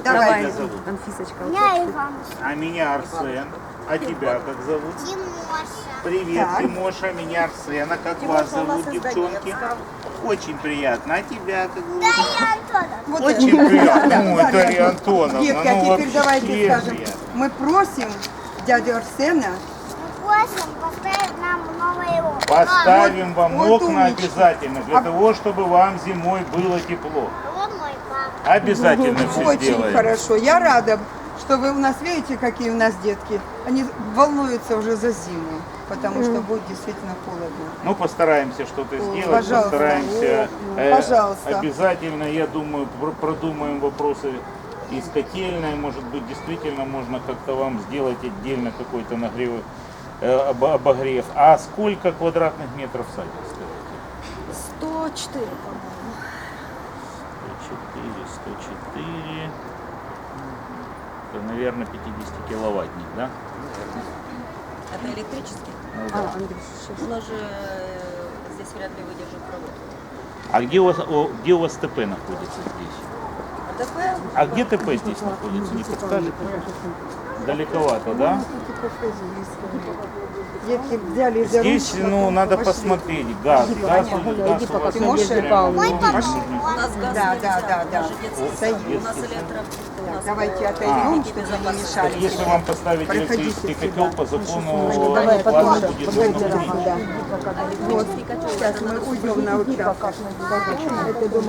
Давай, тебя зовут? Анфисочка. Я Иван. А меня Арсен. А тебя как зовут? Тимоша. Привет, Так. Тимоша, меня Арсен. А как вас зовут, девчонки? Очень приятно. А тебя как зовут? Дарья Антоновна. Вот Очень это. приятно. Да, Ой, да, Дарья да. Антоновна. Детки, а ну теперь вообще давайте скажем, приятно. мы просим дядю Арсена. Мы просим поставить нам новые окна. Поставим вам вот окна умничка. обязательно, для А- того, чтобы вам зимой было тепло. Вот мой папа. Обязательно все Очень сделаем. хорошо. Я рада, что вы у нас, видите, какие у нас детки. Они волнуются уже за зиму, потому что будет действительно холодно. Ну, постараемся что-то сделать, Пожалуйста. постараемся. Пожалуйста. Обязательно, я думаю, продумаем вопросы и с котельной. Может быть, действительно можно как-то вам сделать отдельно какой-то нагрев, обогрев. А сколько квадратных метров садик, скажите? 104, по-моему. 104. Это, наверное, 50-киловаттник, да? Это электрический? Ну, да. Но же здесь вряд ли выдержит провод. А где у вас ТП находится здесь? АТП? А где ТП здесь находится, не подскажете? Далековато, да? Детки взяли за Здесь, ручку, ну, потом надо пошли. посмотреть. Газ у вас Тимоша? прямо Мой дома. папа. У нас газ Да, нельзя, да, да, да. даже детский Союз. сад. У нас электро. у нас, Давайте э, отойдем, техники чтобы не безопасности. мешали. Если вам поставить Проходите электрический сюда. котел, по закону Давай, плата потом. будет Погодите, равно да. Вот. Электрический котел, Сейчас это мы надо уйдем на участок. Это дома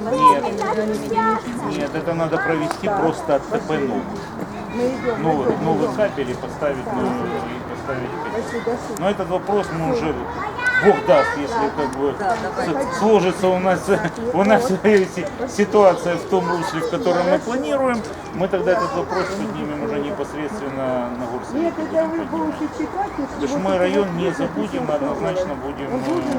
Нет, это надо провести просто от ТП новый. Новый кабель и поставить новый, и поставить котел. Но этот вопрос мы уже, Бог даст, если как бы сложится у нас ситуация в том русле, в котором мы планируем, мы тогда этот вопрос поднимем уже непосредственно на горсовете. Нет, это вы будете читать, если Потому что мы район не забудем, мы однозначно будем